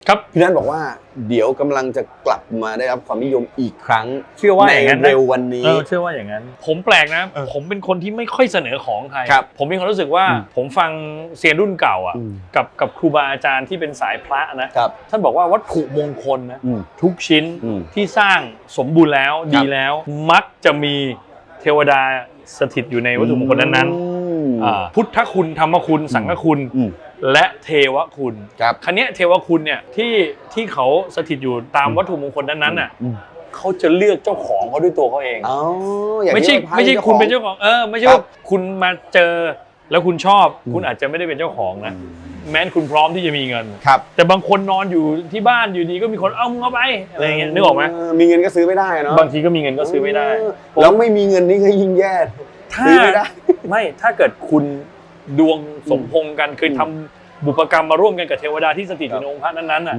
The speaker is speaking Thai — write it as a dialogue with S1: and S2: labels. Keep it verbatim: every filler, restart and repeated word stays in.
S1: ครับ
S2: พี่นัทบอกว่าเดี๋ยวกำลังจะกลับมาได้รับความนิยมอีกครั้ง
S1: เชื่อว่าอย่างนั้น
S2: ในเร็ววันนี้
S1: เออเชื่อว่าอย่างนั้นผมแปลกนะผมเป็นคนที่ไม่ค่อยเสนอของใคร
S2: ครับ
S1: ผมมีความรู้สึกว่าผมฟังเซียนรุ่นเก่าอ่ะ
S2: อืม
S1: กับกับครูบาอาจารย์ที่เป็นสายพระนะครับ ท่านบอกว่าวัตถุมงคลนะ
S2: อืม
S1: ทุกชิ้น
S2: อืม
S1: ที่สร้างสมบูรณ์แล้ว
S2: ครับ
S1: ดีแล้ว มักจะมีเทวดาสถิตอยู่ในวัตถุมงคลนั้นๆ
S2: อืม
S1: อ่าพุทธคุณธรรมคุณสังฆคุณ
S2: อืม
S1: และเทวคุณ
S2: ครับ
S1: คันนี้ยเทวคุณเนี่ยที่ที่เขาสถิตอยู่ตามวัตถุมงคลนั้นๆน่ะ
S2: อืม
S1: เขาจะเลือกเจ้าของเขาด้วยตัวเขาเอง
S2: อ๋ออย่าง
S1: ไม่ใช่
S2: ที่ว่าพระ
S1: ไม่ใช่
S2: จ้า
S1: คุณ
S2: ของ
S1: เป็นเจ้าของเออไม่ใช่
S2: ครั
S1: ว่า
S2: บ
S1: คุณมาเจอแล้วคุณชอบ
S2: อืม
S1: คุณอาจจะไม่ได้เป็นเจ้าของนะแม้นคุณพร้อมที่จะมีเงิน
S2: ครับ
S1: แต่บางคนนอนอยู่ที่บ้านอยู่ดีก็มีคนเอามึงเอาไปอะไรอย่างเงี้ยนึกออกไหม
S2: มีเงินก็ซื้อไม่ได้เนาะ
S1: บางทีก็มีเงินก็ซื้อไม่ได้
S2: แล้วไม่มีเงินนี่ก็ยิ่งแย่
S1: ถ้า
S2: ซื้อไม่ได้
S1: ไม่ถ้าเกิดคุณดวงสมพงษ์กันเคยทำบุพกรรมมาร่วมกันกับเทวดาที่สถิตอยู่ในองค์พระนั้นๆน่ะ